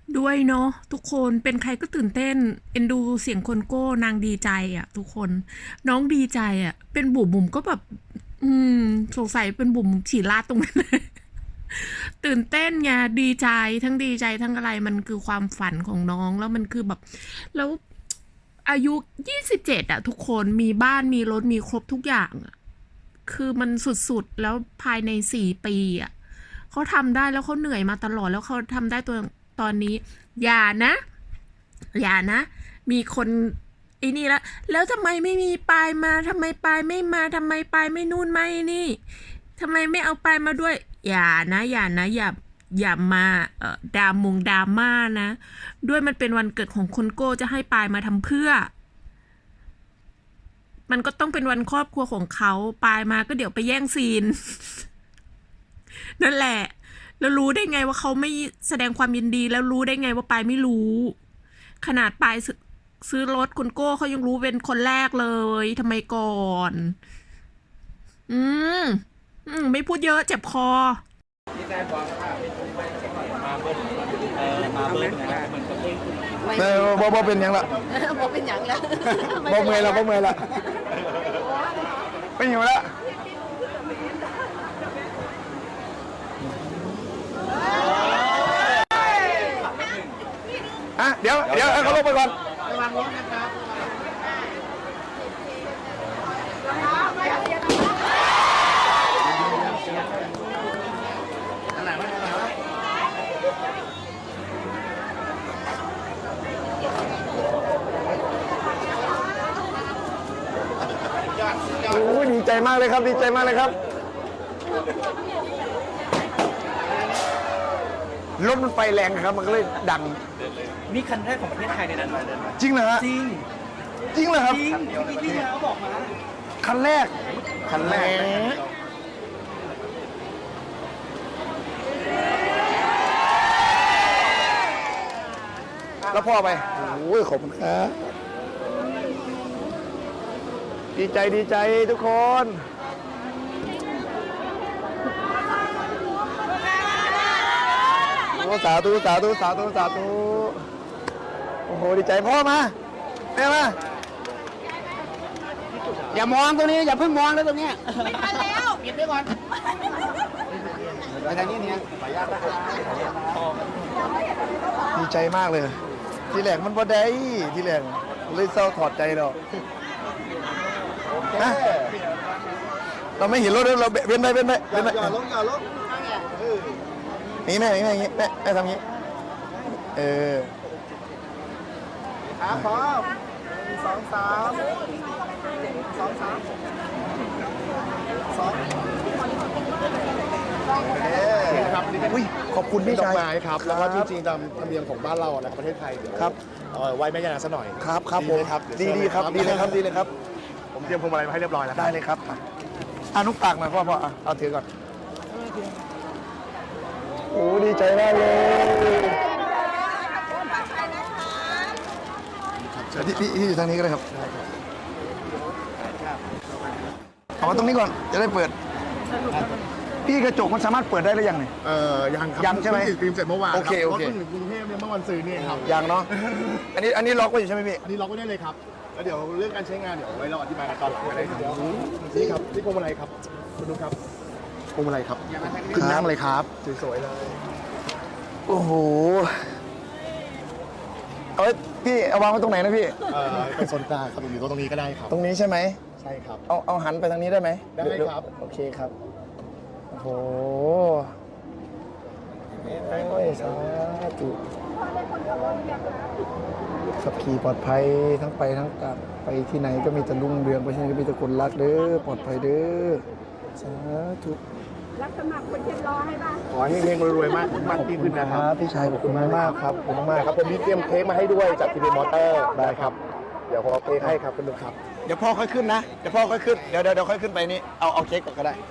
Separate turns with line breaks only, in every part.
ด้วยเนาะทุกคนเป็นใครก็ตื่นเต้นเอ็นดูเสียงคนโก้นางดีใจอ่ะทุกคนน้องดีใจอ่ะเป็นบุ๋มก็แบบอืมสงสัยเป็นบุ๋มฉี่ราดตรงนั้นเลยตื่นเต้นไงดีใจทั้งดีใจทั้งอะไรมันคือความฝันของน้องแล้วมันคือแบบแล้วอายุ27อ่ะทุกคนมีบ้านมีรถมีครบทุกอย่างอ่ะคือมันสุดๆแล้วภายใน4 ปีอ่ะเขาทำได้แล้วเขาเหนื่อยมาตลอดแล้วเขาทำได้ตัวตอนนี้อย่านะ อย่านะ มีคนไอ้นี่แล้วทำไมไม่มีปลายมาทำไมปลายไม่มาทำไมปลายไม่นู่นไม่นี่ทำไมไม่เอาปลายมาด้วย อย่านะอย่ามาดราม่านะ ด้วยมันเป็นวันเกิดของคนโก้จะให้ปลายมาทำเพื่อ มันก็ต้องเป็นวันครอบครัวของเขาปลายมาก็เดี๋ยวไปแย่งซีน นั่นแหละ แล้วรู้ได้ไงว่าเขาไม่แสดงความยินดี แล้วรู้ได้ไงว่าปายไม่รู้ ขนาดปายซื้อรถคุณโก้เขายังรู้เป็นคนแรกเลยทำไมก่อน อืมไม่พูดเยอะเจ็บคอ
มาเบิ้ลนะครับมันก็เบิ้ล
บ่เป็นหยังละ
บ่เป็นหยังแล้ว
บ่เมื่อยละไม่หิวละอ่ะเดี๋ยวเขาลงไปก่อน
ระวังรถนะครับอันไหนวะ
โอ้ยดีใจมากเลยครับดีใจมากเลยครับรถมันไฟแรงครับมันก็เลยดัง
นี่คันแรกของประเทศไทยในนั้นมา
จริงเหรอฮะ
จริง
จริงเหรอครับ
จริงที่แล้วบอกมา
คันแรกแล้วพ่อไปโอ้ยขอบคุณครับดีใจทุกคนโอ้สาธุโอ้โหดีใจพ่อมาแม่มาอย่ามองตรงนี้อย่าเพิ่งมองเลยตรงนี้ไม่ทันแล้วปิดไปก่อนไปทางนี้เนี่ยขออนุญาตนะครับดีใจมากเลยทีแรกมันพอได้ทีแรกเลยเศร้าถอดใจเราเราไม่เห็นรถเราเว้นไปอย่าลงนี่แม่อย่างงี้แม่ทำงี้ครับพร้อม2 3
ครับนี่เป็น
ขอบคุณพี่
ดอ
ชาก ย
ไม้ครับ แล้วก็จริงๆตามธรรมเนียมของบ้านเรานะครับประเทศไทยเดี๋ยว
ครับ
ไหว้แม่ย่านางซะหน่อย
ครับผม
ไหครับ
ดีครับดีเลยครับ
ผมเตรียมพวงมาลัยมาให้เรียบร้อยแล้ว
ได้เลยครับนุกปากหน่อยพ่อเอาถือก่อนโอ้ดีใจมากเลยพี่อยู่ทางนี้ก็ได้ครับเอามาตรงนี้ก่อนจะได้เปิดพี่กระจกมันสามารถเปิดได้หรือยังเนี่ย
ยังครับ
ยังใช่ไหม
เพิ่งติดฟิล์มเสร็จเมื่อวาน
โอเค
รถถึงกรุงเทพเนี่ยเมื่อวันซื้อเนี่ยครับ
ยังเนาะอันนี้ล็อกไว้อยู่ใช่ไหมพี่
อันนี้ล็อกไว้ได้เลยครับแล้วเดี๋ยวเรื่องการใช้งานเดี๋ยวไว้เราอธิบายกันตอนหลังก็ได้ครับนี่ครับนี่พวงมาลัยครับคุณดูครับพวงมาลัยครับขึ้นนั่งเลยครับสวยๆเลย
โอ้โหเอาไว้พี่เอาวางไว้ตรงไหนนะพี่
เป็นโซนกลางครับอยู่ตรงนี้ก็ได้ครับ
ตรงนี้ใช่ไหม
ใช่ครับ
เอาหันไปทางนี้ได้ไหม
ได้ครับ
โอเคครับโอ้โหโอ้ยสาธุขับขี่ปลอดภัยทั้งไปทั้งกลับไปที่ไหนก็มีแต่รุ่งเรืองไปที่ไหนก็มีแต่คนรักเด้อปลอดภัยเด้อสาธุ
รับสมัครคนเช็ดล้อให้บ้าง
ขอให้เฮงๆรวยๆมากยิ่งขึ้นนะครับ
พี่ชายขอบคุณมากครับขอบคุณมาก
ครับผมมีเตรียมเค้กมาให้ด้วยจากทีวีมอเตอร์ได้ครับ เดี๋ยวผมเอาเค้กให้ครับคุณลุงครับ
เดี๋ยวพ่อค่อยขึ้นนะเดี๋ยวพ่อค่อยขึ้นเดี๋ยวค่อยขึ้นไปนี่เอาเค้กก่อนก็ได้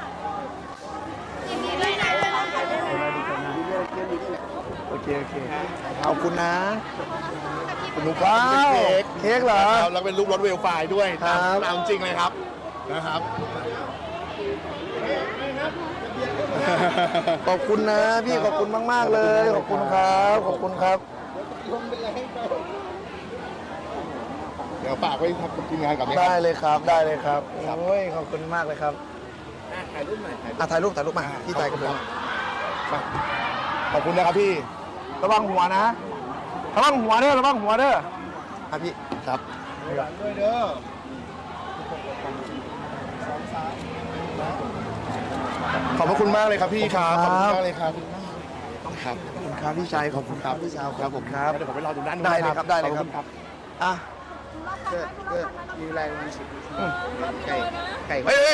โอเคขอบคุณนะคุณลุงว้าวเค้กเหรอ
แล้วเป็นรูปรถเวลไฟด้วย
ครับ
ตามจริงเลยครับนะครับ
คขอบคุณนะพี่ขอบคุณมากๆเลยขอบคุณครับขอบคุณครับ
เดี๋ยวฝากไว้ทำทีมงานกับนี้
ได้เลยครับได้เลยครับโอ้ยขอบคุณมากเลยครับถ่ายรูปหน่อยถ่ายรูปมาพี่ถ่ายกับผม
ขอบคุณนะครับพี่
ระวังหัวนะระวังหัวเด้อระวังหัวเด้อครับพี่ครับ
ด้วยเด้อขอบพระคุณมากเลยครับพี่ครับขอบคุณมากเลยครับครับ
ขอบคุณครับพี่ชายขอบคุณครับพี่ชาวครับผมครับ
เดี๋ยวผมไปรอดูด้านนู้น
ได้เลยครับได้เลยครับ
ขอณ
อ่ะ
มีอะไรมีสิบไก่
เฮ้ย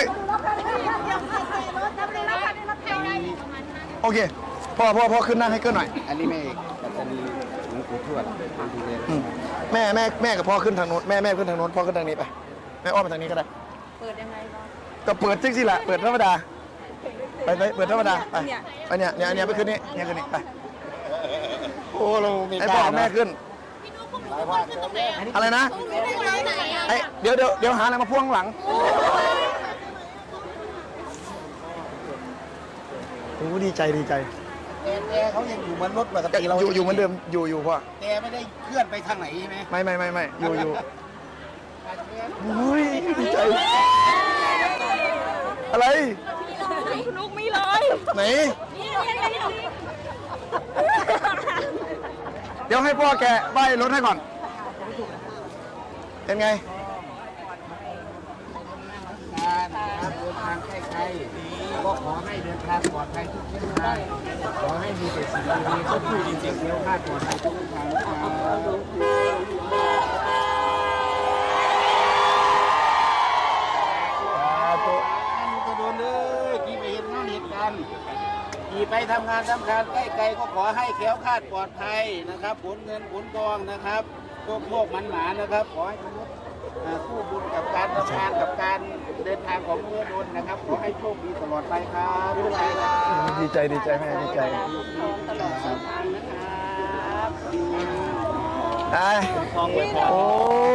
โอเคพ่อขึ้นนั่งให้เกินหน่อย
อันนี้แม่ปัตตานีหลวงปู่ทวดดูเลย
แม่กับพ่อขึ้นทางโน้นแม่ขึ้นทางโน้นพ่อขึ้นทางนี้ไปแม่อ้อมไปทางนี้ก็ได้
เปิดยังไงบ้าง
ก็เปิดจริงสิแหละเปิดธรรมดาไปเปิดธรรมดาไปเนี่ยไปขึ้นนี่เนี่ยขึ้นนี่ไป
โอ้เรามี
ให้พ่อกับแม่ขึ้นอะไรนะไอเดี๋ยวหาอะไรมาพ่วงหลังโอ้ดีใจ
แต่เขายังอยู่บนรถปกติเรา
อยู่เหมือนเดิมอยู่พ่อ
แต่ไม่ได้เคลื่อนไปทางไหนใช่ไหม
ไม่อยู่โอ้ยดีใจอะไร
ลูกมีเลย
ไหนเดี๋ยวให้พ่อแกใบรถให้ก่อนเป็นไง
การเดินทางใกล้ๆก็ขอให้เดินทางปลอดภัยทุกเส้นทางขอให้มีแต่สิ่งดีๆก็พูดจริงๆเดียวคาดปลอดภัยทุกเส้นทางจะโดนเลยกี่ไปเห็นน้องเหตุการณ์กี่ไปทำงานทำการใกล้ๆก็ขอให้แคล้วคลาดปลอดภัยนะครับผลเงินผลทองนะครับโชคมันหมานะครับขอให้มนุษย์คู่บุญกับการทำงานกับการเดินทางของเมื่อโดนนะครับขอให้โชคดีตลอดไปครับทุกท่านครับ
ดีใจแม่ดีใจ
ตลอดทางนะครับ
ได้
ทองไว้พอ
โอ้